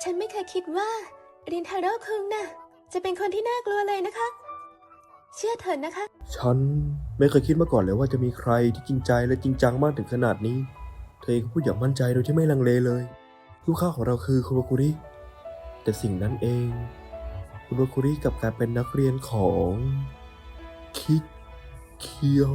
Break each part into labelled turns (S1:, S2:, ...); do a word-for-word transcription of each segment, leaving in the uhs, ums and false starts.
S1: ฉันไม่เคยคิดว่ารินทาโร่คุงน่ะจะเป็นคนที่น่ากลัวเลยนะคะ เชื่อเถิดนะคะ
S2: ฉันไม่เคยคิดมาก่อนเลยว่าจะมีใครที่จริงใจและจริงจังมากถึงขนาดนี้เธอเองก็พูดอย่างมั่นใจโดยที่ไม่ลังเลเลยลูกค้าของเราคือคุณวาคุริแต่สิ่งนั้นเองคุณวาคุริกลับกลายเป็นนักเรียนของคิดเคียว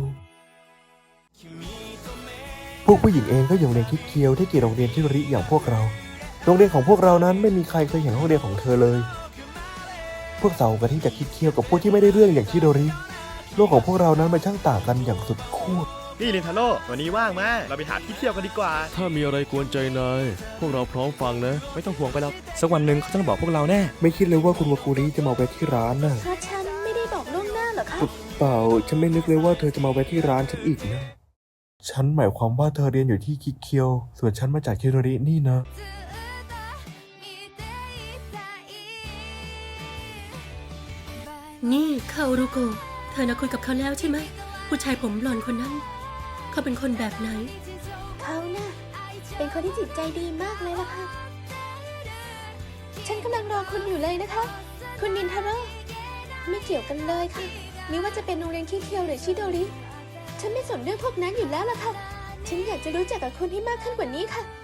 S2: พวกผู้หญิงเองก็ยังเรียนคิดเคียวที่เกียรติโรงเรียนที่ริอย่างพวกเราโรงเรียนของพวกเรานั้นไม่มีใครเคยเห็นห้องเรียนของเธอเลยพวกเรากะที่จะคิดเคียวกับพวกที่ไม่ได้เรื่องอย่างที่โดริโลกของพวกเรานั้นมันช่างต่างกันอย่างสุดขั้ว
S3: นี่รินทาโร่วันนี้ว่างมาเราไปหาที่เที่ยวกันดีกว่า
S4: ถ้ามีอะไรกวนใจนายพวกเราพร้อมฟังนะ
S5: ไม่ต้องห่วงไปหรอกสักวันหนึ่งเขาต้องบอกพวกเราแน่
S2: ไม่คิดเลยว่าคุณวาคุริจะมาแวะที่ร้านน่ะ
S1: เพราะฉันไม่ได้บอกล่วงหน้าหรอคะ
S2: เปล่าฉันไม่นึกเลยว่าเธอจะมาแวะที่ร้านฉันอีกนะฉันหมายความว่าเธอเรียนอยู่ที่คิเคียวส่วนฉันมาจากคิโดรินี่นะ
S6: นี่คาโอรุโกะเธอน่ะคุยกับเขาแล้วใช่ไหมผู้ชายผมบลอนด์คนนั้นเขาเป็นคนแบบไหน
S1: เขาน่ะเป็นคนที่จิตใจดีมากเลยล่ะค่ะฉันกำลังรอคุณอยู่เลยนะคะคุณรินทาโร่ไม่เกี่ยวกันเลยค่ะไม่ว่าจะเป็นโรงเรียนคิเคียวหรือชิโดริฉันไม่สนเรื่องพวกนั้นอยู่แล้วล่ะค่ะฉันอยากจะรู้จักกับคุณให้มากขึ้นกว่านี้ค่ะ